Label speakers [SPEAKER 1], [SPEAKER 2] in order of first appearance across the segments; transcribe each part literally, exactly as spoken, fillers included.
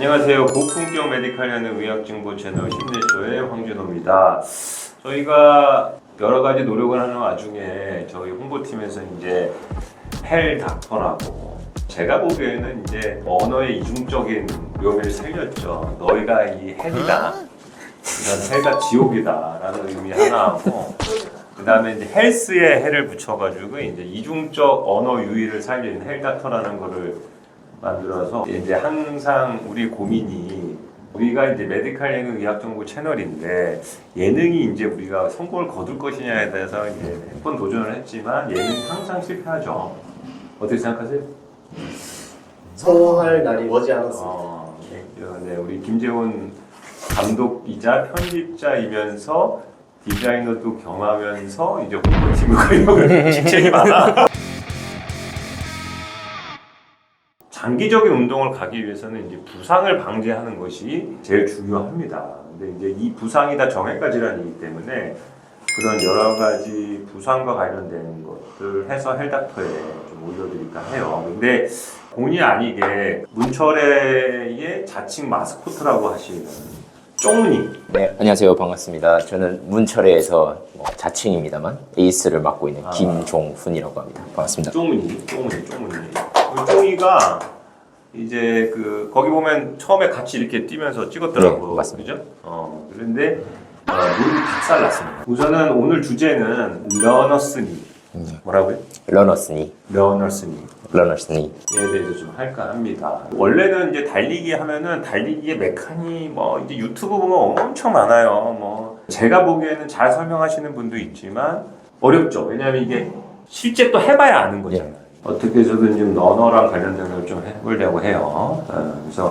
[SPEAKER 1] 안녕하세요. 고품격 메디칼 하는 의학정보 채널 힘내쇼의 황준호입니다. 저희가 여러 가지 노력을 하는 와중에 저희 홍보팀에서 이제 헬 닥터라고 제가 보기에는 이제 언어의 이중적인 묘미를 살렸죠. 너희가 이 헬이다. 이건 헬과 지옥이다라는 의미 하나하고 그 다음에 이제 헬스에 헬을 붙여가지고 이제 이중적 언어 유희를 살린 헬 닥터라는 거를 만들어서 이제 항상 우리 고민이 우리가 이제 메디칼 예능 의학 정보 채널인데 예능이 이제 우리가 성공을 거둘 것이냐에 대해서 이제 몇 번 도전을 했지만 예능이 항상 실패하죠. 어떻게 생각하세요?
[SPEAKER 2] 성공할 날이 머지않았습니다.
[SPEAKER 1] 어, 네, 네, 우리 김재훈 감독이자 편집자이면서 디자이너도 겸하면서 이제 홍보팀을 관리하고 직책이 많아. 장기적인 운동을 가기 위해서는 이제 부상을 방지하는 것이 제일 중요합니다. 근데 이제 이 부상이 다 정형외과 질환이기 때문에 그런 여러 가지 부상과 관련된 것들 해서 헬닥터에 좀 올려드릴까 해요. 근데 본의 아니게 문철회의 자칭 마스코트라고 하시는 쫑님.
[SPEAKER 3] 네, 안녕하세요. 반갑습니다. 저는 문철회에서 뭐 자칭입니다만 에이스를 맡고 있는
[SPEAKER 1] 아.
[SPEAKER 3] 김종훈이라고 합니다. 반갑습니다.
[SPEAKER 1] 쫑문이, 쫑문이, 쫑문이. 그 쫑이가 이제 그 거기 보면 처음에 같이 이렇게 뛰면서 찍었더라고.
[SPEAKER 3] 네, 맞습니다.
[SPEAKER 1] 그죠? 어, 그런데 어, 눈이 박살났습니다. 우선은 오늘 주제는 러너스니. 뭐라고요?
[SPEAKER 3] 러너스니,
[SPEAKER 1] 러너스니.
[SPEAKER 3] 러너스니.
[SPEAKER 1] 에 대해서 좀 할까 합니다. 원래는 이제 달리기 하면은 달리기의 메카니 뭐 이제 유튜브 보면 엄청 많아요. 뭐 제가 보기에는 잘 설명하시는 분도 있지만 어렵죠. 왜냐하면 이게 실제 또 해봐야 아는 거잖아요.
[SPEAKER 3] 네.
[SPEAKER 1] 어떻게 해서든 지금 러너랑 관련된 걸 좀 해보려고 해요. 어, 그래서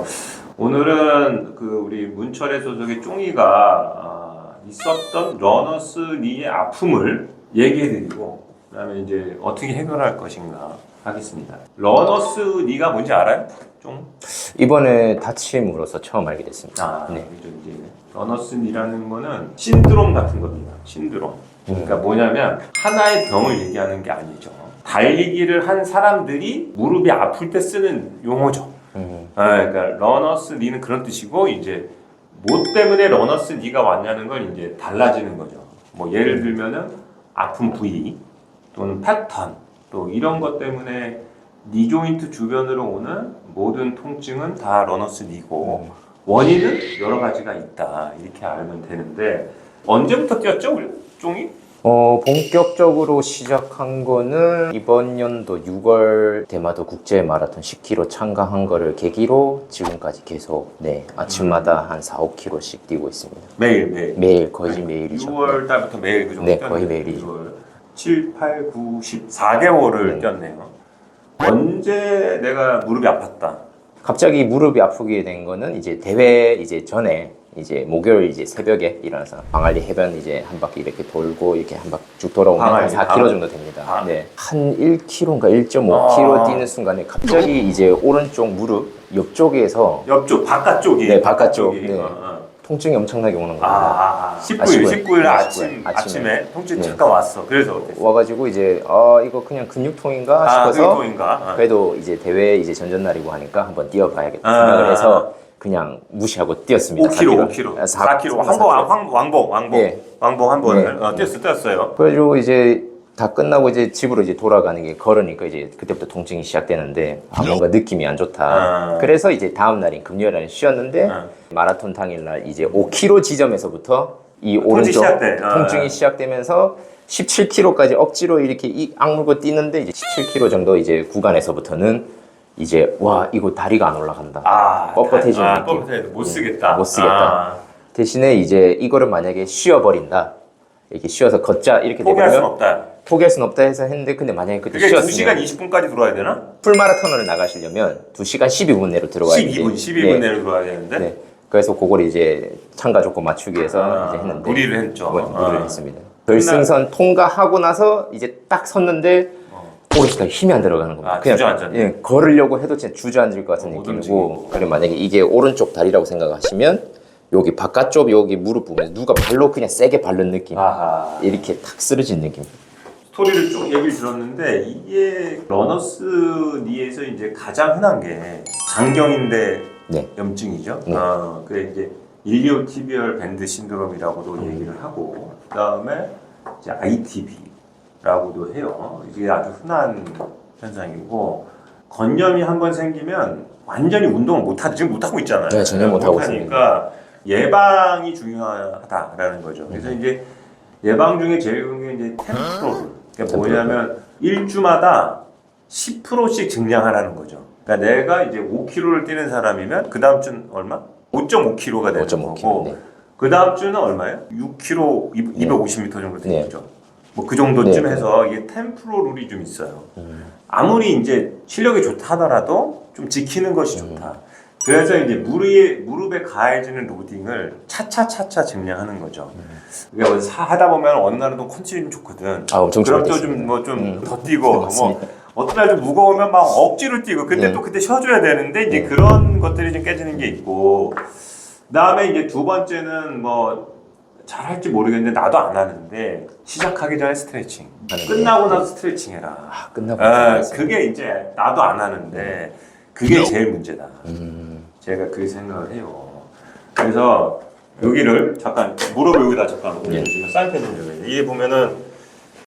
[SPEAKER 1] 오늘은 그 우리 문철의 소속의 쫑이가 아, 있었던 러너스 니의 아픔을 얘기해드리고 그다음에 이제 어떻게 해결할 것인가 하겠습니다. 러너스 니가 뭔지 알아요? 좀?
[SPEAKER 3] 이번에 다침으로서 처음 알게 됐습니다.
[SPEAKER 1] 아,
[SPEAKER 3] 네.
[SPEAKER 1] 그죠. 이제 러너스 니라는 거는 신드롬 같은 겁니다. 신드롬. 그러니까 뭐냐면 하나의 병을 얘기하는 게 아니죠. 달리기를 한 사람들이 무릎이 아플 때 쓰는 용어죠.
[SPEAKER 3] 음.
[SPEAKER 1] 아, 그러니까 러너스 니는 그런 뜻이고 이제 뭐 때문에 러너스 니가 왔냐는 건 이제 달라지는 거죠. 뭐 예를 들면은 아픈 부위 또는 패턴 또 이런 것 때문에 니 조인트 주변으로 오는 모든 통증은 다 러너스 니고 원인은 여러 가지가 있다 이렇게 알면 되는데 언제부터 뛰었죠 우리 쫑이?
[SPEAKER 3] 어, 본격적으로 시작한 거는 이번 연도 유월 대마도 국제 마라톤 십 킬로미터 참가한 거를 계기로 지금까지 계속 네 아침마다 한 사, 오 킬로미터씩 뛰고 있습니다.
[SPEAKER 1] 매일 매일
[SPEAKER 3] 매일 거의 매일이죠.
[SPEAKER 1] 유월 달부터 매일 그 정도
[SPEAKER 3] 네,
[SPEAKER 1] 뛰었네요.
[SPEAKER 3] 거의 매일이죠.
[SPEAKER 1] 유월. 칠, 팔, 구, 십 사 개월을
[SPEAKER 3] 네.
[SPEAKER 1] 뛰었네요. 언제 내가 무릎이 아팠다?
[SPEAKER 3] 갑자기 무릎이 아프게 된 거는 이제 대회 이제 전에 이제 목요일 이제 새벽에 일어나서 광안리 해변 이제 한 바퀴 이렇게 돌고 이렇게 한 바퀴 쭉 돌아오면 한
[SPEAKER 1] 광안리,
[SPEAKER 3] 사 킬로미터 정도 됩니다.
[SPEAKER 1] 아.
[SPEAKER 3] 네. 한 일 킬로미터인가 일 점 오 킬로미터
[SPEAKER 1] 아.
[SPEAKER 3] 뛰는 순간에 갑자기 이제 오른쪽 무릎 옆쪽에서
[SPEAKER 1] 옆쪽 바깥쪽이
[SPEAKER 3] 네, 바깥쪽.
[SPEAKER 1] 바깥쪽이.
[SPEAKER 3] 네.
[SPEAKER 1] 어, 어.
[SPEAKER 3] 통증이 엄청나게 오는 겁니다.
[SPEAKER 1] 아, 아, 십구 일,
[SPEAKER 3] 십구 일.
[SPEAKER 1] 십구 일
[SPEAKER 3] 네,
[SPEAKER 1] 아침,
[SPEAKER 3] 십구 일.
[SPEAKER 1] 아침에,
[SPEAKER 3] 아침에.
[SPEAKER 1] 통증
[SPEAKER 3] 네.
[SPEAKER 1] 잠깐 왔어. 그래서 어땠어?
[SPEAKER 3] 와가지고 이제 아 이거 그냥 근육통인가
[SPEAKER 1] 아,
[SPEAKER 3] 싶어서
[SPEAKER 1] 근육통인가? 어.
[SPEAKER 3] 그래도 이제 대회 이제 전전날이고 하니까 한번 뛰어봐야겠다
[SPEAKER 1] 아.
[SPEAKER 3] 생각을 해서 그냥 무시하고 뛰었습니다.
[SPEAKER 1] 오 킬로미터, 오 킬로미터. 사 킬로미터. 왕복, 왕, 왕복, 왕복.
[SPEAKER 3] 네.
[SPEAKER 1] 왕복 한 번을
[SPEAKER 3] 네.
[SPEAKER 1] 어, 뛰었어, 뛰었어요.
[SPEAKER 3] 그래가지고 이제 다 끝나고 이제 집으로 이제 돌아가는 게 걸으니까 이제 그때부터 통증이 시작되는데 아 뭔가 느낌이 안 좋다.
[SPEAKER 1] 아.
[SPEAKER 3] 그래서 이제 다음 날인 금요일날은 쉬었는데
[SPEAKER 1] 아.
[SPEAKER 3] 마라톤 당일날 이제 오 킬로미터 지점에서부터 이 오른쪽
[SPEAKER 1] 시작돼. 아.
[SPEAKER 3] 통증이 시작되면서 십칠 킬로미터까지 억지로 이렇게 이 악물고 뛰는데 이제 십칠 킬로미터 정도 이제 구간에서부터는 이제 와 이거 다리가 안 올라간다.
[SPEAKER 1] 아,
[SPEAKER 3] 뻣뻣해지는
[SPEAKER 1] 아,
[SPEAKER 3] 느낌.
[SPEAKER 1] 뻣뻣해. 못 쓰겠다.
[SPEAKER 3] 못 쓰겠다.
[SPEAKER 1] 아.
[SPEAKER 3] 대신에 이제 이거를 만약에 쉬어버린다. 이렇게 쉬어서 걷자 이렇게
[SPEAKER 1] 포기할 순
[SPEAKER 3] 되면
[SPEAKER 1] 없다.
[SPEAKER 3] 포기할 순 없다 해서 했는데 근데 만약에 그때
[SPEAKER 1] 그게 두 시간
[SPEAKER 3] 쉬었으면
[SPEAKER 1] 이십 분까지 들어와야 되나?
[SPEAKER 3] 풀마라톤을 나가시려면 두 시간 십이 분 내로 들어와야
[SPEAKER 1] 십이 분,
[SPEAKER 3] 돼.
[SPEAKER 1] 십이 분
[SPEAKER 3] 네.
[SPEAKER 1] 내로 들어와야 되는데.
[SPEAKER 3] 네. 그래서 그걸 이제 참가 조건 맞추기 위해서
[SPEAKER 1] 아,
[SPEAKER 3] 이제 했는데
[SPEAKER 1] 무리를 했죠.
[SPEAKER 3] 네, 무리를
[SPEAKER 1] 아.
[SPEAKER 3] 했습니다. 결승선 통과하고 나서 이제 딱 섰는데 오른쪽에 힘이 안 들어가는 겁니다.
[SPEAKER 1] 아, 주저앉았네.
[SPEAKER 3] 예, 걸으려고 해도 진짜 주저앉을 것 같은
[SPEAKER 1] 어, 못
[SPEAKER 3] 느낌이고 그리고 만약에 이게 오른쪽 다리라고 생각하시면 여기 바깥쪽 여기 무릎 부분에 누가 발로 그냥 세게 밟는 느낌
[SPEAKER 1] 아하.
[SPEAKER 3] 이렇게 탁 쓰러진 느낌.
[SPEAKER 1] 스토리를 쭉 얘기를 들었는데 이게 러너스 니에서 이제 가장 흔한 게 장경인데
[SPEAKER 3] 네.
[SPEAKER 1] 염증이죠.
[SPEAKER 3] 네.
[SPEAKER 1] 아, 그래 이제 일리오티비얼 밴드 신드롬이라고도
[SPEAKER 3] 음.
[SPEAKER 1] 얘기를 하고, 그다음에 이제 아이티비라고도 해요. 이게 아주 흔한 현상이고, 건염이 한번 생기면 완전히 운동을 못 하지 지금 못 하고 있잖아요.
[SPEAKER 3] 네, 전혀 못 하고
[SPEAKER 1] 하니까 예방이 중요하다라는 거죠. 그래서
[SPEAKER 3] 음.
[SPEAKER 1] 이제 예방 중에 제일 좋은 게 이제 템프로를. 그러니까 뭐냐면 일주마다 십 퍼센트씩 증량하라는 거죠. 그러니까 내가 이제 오 킬로그램를 뛰는 사람이면 그 다음 주는 얼마? 오 점 오 킬로그램가 되는
[SPEAKER 3] 오 점 오
[SPEAKER 1] 거고,
[SPEAKER 3] 킬로그램. 네.
[SPEAKER 1] 그 다음 주는 얼마예요? 육 킬로그램, 이백오십 미터 정도 되는
[SPEAKER 3] 네.
[SPEAKER 1] 거죠. 뭐 그 정도쯤
[SPEAKER 3] 네.
[SPEAKER 1] 해서 이게 템프로 룰이 좀 있어요.
[SPEAKER 3] 음.
[SPEAKER 1] 아무리 이제 실력이 좋다 하더라도 좀 지키는 것이 좋다. 그래서 이제 무릎에, 무릎에 가해지는 로딩을 차차차차 증량하는 거죠. 그러니까 사 하다 보면 어느 날은 또 컨디션이 좋거든.
[SPEAKER 3] 아, 엄청
[SPEAKER 1] 그럼 또
[SPEAKER 3] 좋아졌습니다.
[SPEAKER 1] 좀 뭐 좀 더
[SPEAKER 3] 음.
[SPEAKER 1] 뛰고,
[SPEAKER 3] 네,
[SPEAKER 1] 뭐
[SPEAKER 3] 맞습니다.
[SPEAKER 1] 어떤 날 좀 무거우면 막 억지로 뛰고, 근데
[SPEAKER 3] 네.
[SPEAKER 1] 또 그때 쉬어줘야 되는데 이제
[SPEAKER 3] 네.
[SPEAKER 1] 그런 것들이 좀 깨지는 게 있고, 그다음에 이제 두 번째는 뭐 잘할지 모르겠는데 나도 안 하는데 시작하기 전에 스트레칭.
[SPEAKER 3] 하는
[SPEAKER 1] 끝나고
[SPEAKER 3] 게-
[SPEAKER 1] 나서 스트레칭 해라.
[SPEAKER 3] 아, 끝나고
[SPEAKER 1] 아,
[SPEAKER 3] 나서
[SPEAKER 1] 그게 이제 나도 안 하는데 그게 제일 문제다.
[SPEAKER 3] 음.
[SPEAKER 1] 제가 그렇게 생각을 해요. 그래서 여기를 잠깐 무릎을 여기다 잠깐 올려주시면 사인펜 좀 여기. 이게 보면은